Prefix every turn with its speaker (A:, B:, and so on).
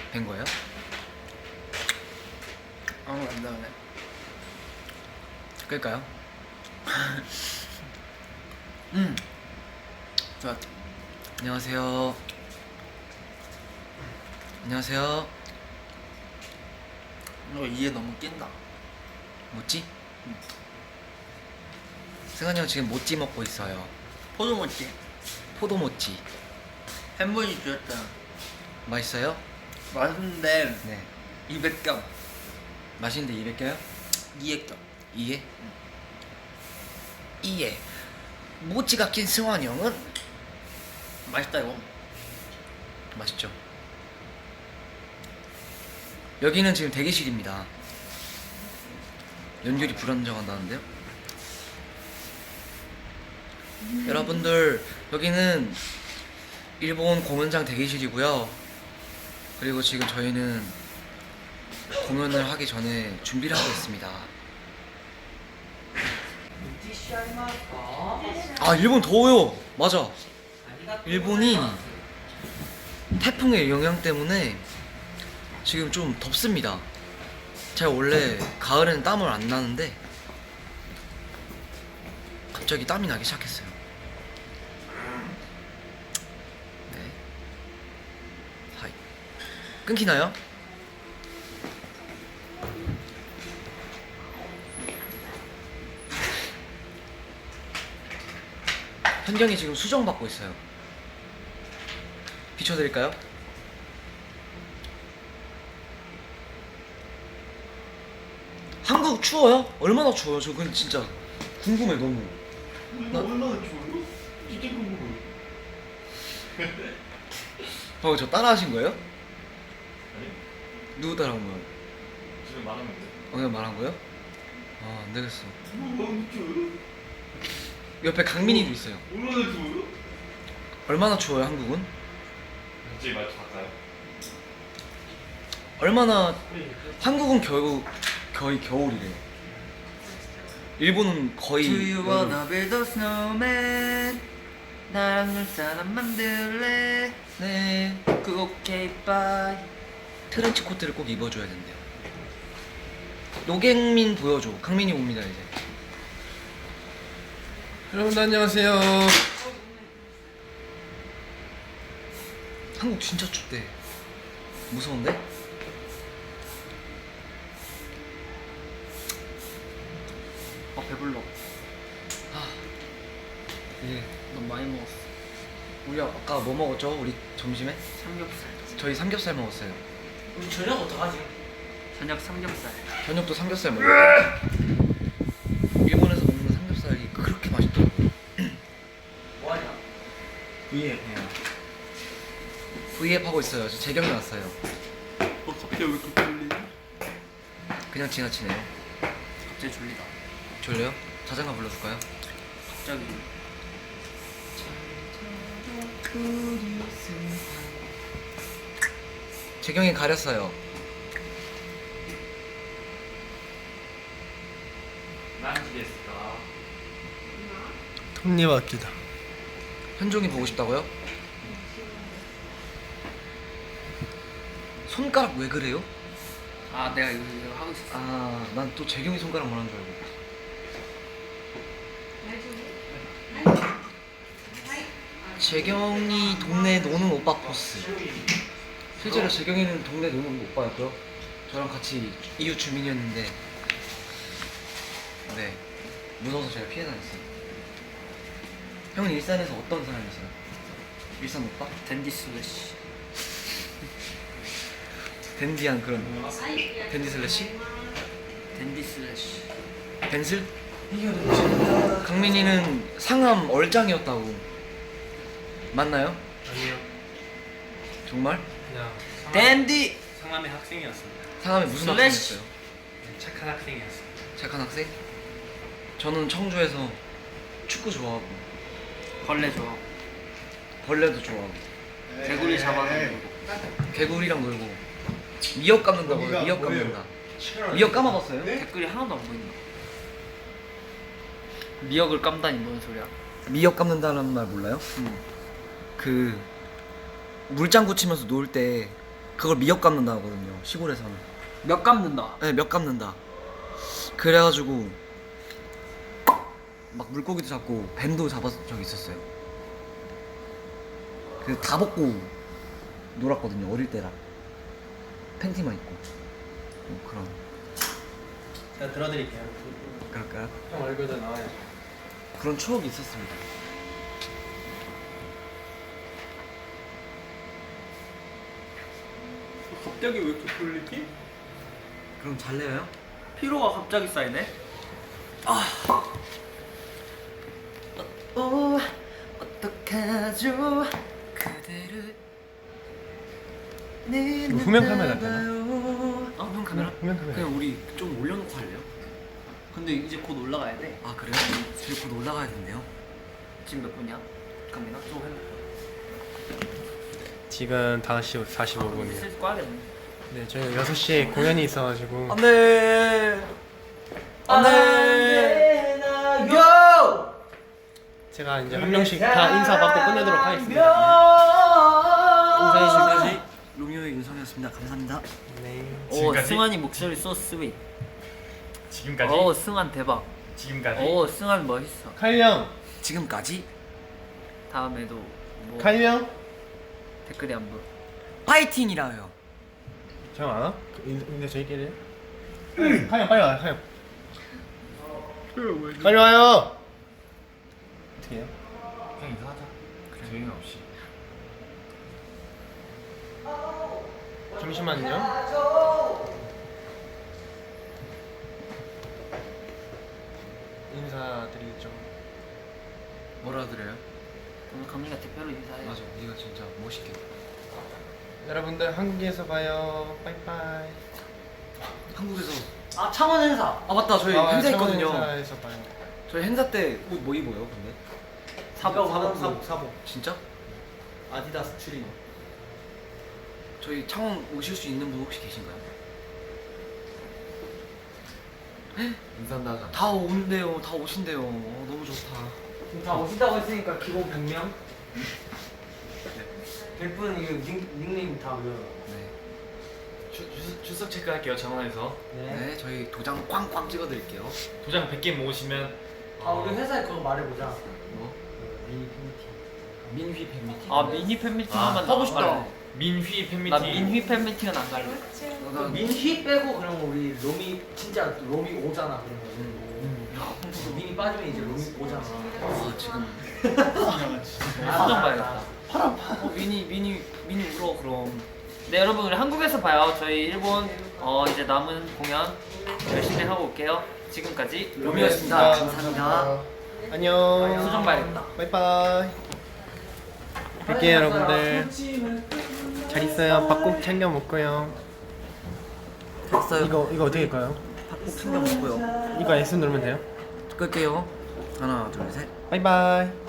A: 된 거예요?
B: 안 나오네.
A: 끌까요?
B: 좋아.
A: 안녕하세요. 안녕하세요.
B: 너 이해 너무 낀다.
A: 모찌? 승환이 형 지금 모찌 먹고 있어요.
B: 포도 먹지?
A: 포도 모찌.
B: 햄버거 주셨잖아.
A: 맛있어요?
B: 맛있는데
A: 네.
B: 200점.
A: 맛있는데 200개요?
B: 200점.
A: 이에? 이에. 모찌가 낀 승환이 형은
B: 맛있다 이거.
A: 맛있죠. 여기는 지금 대기실입니다. 연결이 불안정하다는데요? 여러분들, 여기는 일본 공연장 대기실이고요. 그리고 지금 저희는 공연을 하기 전에 준비를 하고 있습니다. 아, 일본 더워요. 맞아. 일본이 태풍의 영향 때문에 지금 좀 덥습니다. 제가 원래 가을에는 땀을 안 나는데 갑자기 땀이 나기 시작했어요. 네. 하이. 끊기나요? 현경이 지금 수정 받고 있어요. 비춰드릴까요? 한국 추워요? 얼마나 추워요? 저 그건 진짜 궁금해 너무.
C: 얼마나 좋아요? 진짜 궁금해요.
A: 방금 저 따라하신 거예요?
C: 아니?
A: 누구 따라한 거예요?
C: 지금 말하면 돼.
A: 그냥 말한 거예요? 아, 안 되겠어.
C: 얼마나 좋아요?
A: 옆에 강민이도 있어요.
C: 얼마나 좋아요?
A: 얼마나 추워요 한국은?
C: 갑자기 말 바꿔요.
A: 얼마나 한국은 거의 겨울이래요. 일본은 거의
B: Do you
A: 여름.
B: wanna build a snowman? 나랑 눈사람 만들래?
A: 네.
B: 그 오케이 바이.
A: 트렌치 코트를 꼭 입어줘야 된대요. 노갱민 보여줘. 강민이 옵니다 이제.
C: 여러분 안녕하세요.
A: 한국 진짜 춥대. 무서운데?
B: 배불러.
A: 아, 예.
B: 너무 많이 먹었어.
A: 우리 아까 뭐 먹었죠? 우리 점심에?
B: 삼겹살.
A: 저희 삼겹살 먹었어요.
B: 우리 저녁 어떡하지? 저녁 삼겹살.
A: 저녁도 삼겹살 먹었어요. 일본에서 먹는 삼겹살이 그렇게 맛있더라고요.
B: 뭐하냐?
A: V앱 해요. V앱 하고 있어요. 저 재경이 왔어요.
B: 갑자기 왜 이렇게 졸리지?
A: 그냥 지나치네요.
B: 갑자기 졸리다.
A: 졸려요? 자장가 불러줄까요?
B: 갑자기.
A: 재경이 가렸어요.
C: 난지겠을까?
D: 톱니바퀴다.
A: 현종이 보고 싶다고요? 손가락 왜 그래요?
B: 아 내가 이거 하고 있었어.
A: 아, 난 또 재경이 손가락 말하는 줄 알고. 재경이 동네 노는 오빠 코스. 실제로 재경이는 동네 노는 오빠였고요. 저랑 같이 이웃 주민이었는데, 네, 무서워서 제가 피해 다녔어요. 형은 일산에서 어떤 사람이세요? 일산 오빠?
B: 댄디 슬래시.
A: 댄디한 그런 댄디 슬래시?
B: 댄디 슬래시.
A: 댄슬? 강민이는 상암 얼짱이었다고. 맞나요?
D: 아니요.
A: 정말?
D: 그냥
B: 댄디.
D: 상암의 학생이었습니다.
A: 상암에 무슨
B: 슬래시.
A: 학생이었어요?
D: 착한 학생이었어요.
A: 착한 학생? 저는 청주에서 축구 좋아하고
B: 벌레 좋아.
A: 벌레도 좋아하고
B: 개구리 잡아서 먹고.
A: 개구리랑 놀고 미역 감는다고요.
C: 거기가
A: 미역
C: 뭐예요?
A: 감는다. 미역 감아봤어요?
B: 댓글이 하나도 안 보인다. 미역을 깜다니 뭔 소리야?
A: 미역 감는다는 말 몰라요? 그 물장구 치면서 놀 때 그걸 미역 감는다 하거든요. 시골에서는.
B: 몇 감는다.
A: 네, 몇 감는다. 그래가지고 막 물고기도 잡고 뱀도 잡았던 적이 있었어요. 그래서 다 벗고 놀았거든요. 어릴 때라. 팬티만 입고. 그런.
D: 제가 들어드릴게요.
A: 그럴까요?
D: 형 얼굴도 나와요.
A: 그런 추억이 있었습니다.
D: 갑자기 왜 이렇게 졸리지?
A: 그럼 잘래요?
B: 피로가 갑자기 쌓이네.
A: 어떡하죠? 그대를
C: 이거 후면 카메라 되나?
A: 아, 후면 카메라?
C: 후면 카메라.
A: 그냥 우리 좀 올려놓고 할래요?
B: 근데 이제 곧 올라가야 돼.
A: 아 그래요? 저희 곧 올라가야 된대요.
B: 지금 몇 분이야? 갑니다. 좀 해볼까?
C: 지금 5시 45분이요.
B: 슬슬 꺼야겠네.
C: 네, 저희 6시에 공연이 있어가지고
A: 안돼. 안돼. 요.
C: 제가 이제 한 명씩 다 인사받고 끝내도록 하겠습니다. 인사해
A: 지금까지 로미오의 윤성이었습니다. 감사합니다.
C: 네.
B: 오,
C: 지금까지?
B: 승환이 목소리 소 스윗.
C: 지금까지?
B: 오, 승환 대박.
C: 지금까지?
B: 오, 승환 멋있어.
C: 칼령!
A: 지금까지
B: 다음에도 뭐
C: 칼령!
B: 댓글이 안 보여.
A: 파이팅이라요.
C: 형 안 와? 근데 저희끼리 칼령 빨리 와요, 칼령. 빨리 와요! 어떻게 해요?
E: 그냥 인사하자. 조용히 없이.
C: 잠시만요. 인사드리죠.
A: 뭐라 드려요?
B: 오늘 감리가 대표로 인사해.
A: 맞아. 네가 진짜 멋있게.
C: 여러분들 한국에서 봐요. 빠이빠이.
A: 한국에서.
B: 아, 창원 행사.
A: 아 맞다. 저희 행사 있거든요.
C: 행사에서 봐요.
A: 저희 행사 때 옷 뭐 입어요? 근데?
D: 사복.
A: 진짜?
D: 아디다스 추리닝.
A: 저희 창원 오실 수 있는 분 혹시 계신가요?
E: 인사한다 하자.
A: 다 온대요. 다 오신대요. 너무 좋다.
D: 지금 다 오신다고 했으니까 기본 100명. 100분 이거 닉네임 다 외워요.
A: 네.
E: 출석 체크할게요. 정원에서
A: 네, 저희 도장 꽝꽝 찍어드릴게요.
E: 도장 100개 모으시면
D: 아 우리 회사에 그거 말해보자.
A: 뭐?
D: 미니 팬미팅.
A: 민휘 팬미팅.
B: 아, 미니 팬미팅
E: 아,
B: 하면
A: 하고 싶다.
B: 나
E: 민휘 팬미팅.
B: 나 민휘 팬미팅은 안 갈래.
D: 민휘 빼고 그러면 우리 로미 진짜 로미 오잖아 그러면. 민이 빠지면 이제 로미 오잖아.
A: 아 지금
B: 수정 봐야겠다.
A: 미니 울어 그럼.
B: 네, 여러분 우리 한국에서 봐요. 저희 일본 이제 남은 공연 열심히 하고 올게요. 지금까지
A: 로미오였습니다. 감사합니다.
C: 안녕.
B: 수정 봐야겠다.
C: 바이바이. 뵐게요 여러분들. 잘 있어요. 밥 꼭 챙겨 먹고요.
A: 됐어요.
C: 이거 어떻게 할까요?
A: 꼭 챙겨 먹고요.
C: 이거 S 누르면 돼요?
A: 끌게요. 하나 둘 셋.
C: 바이바이.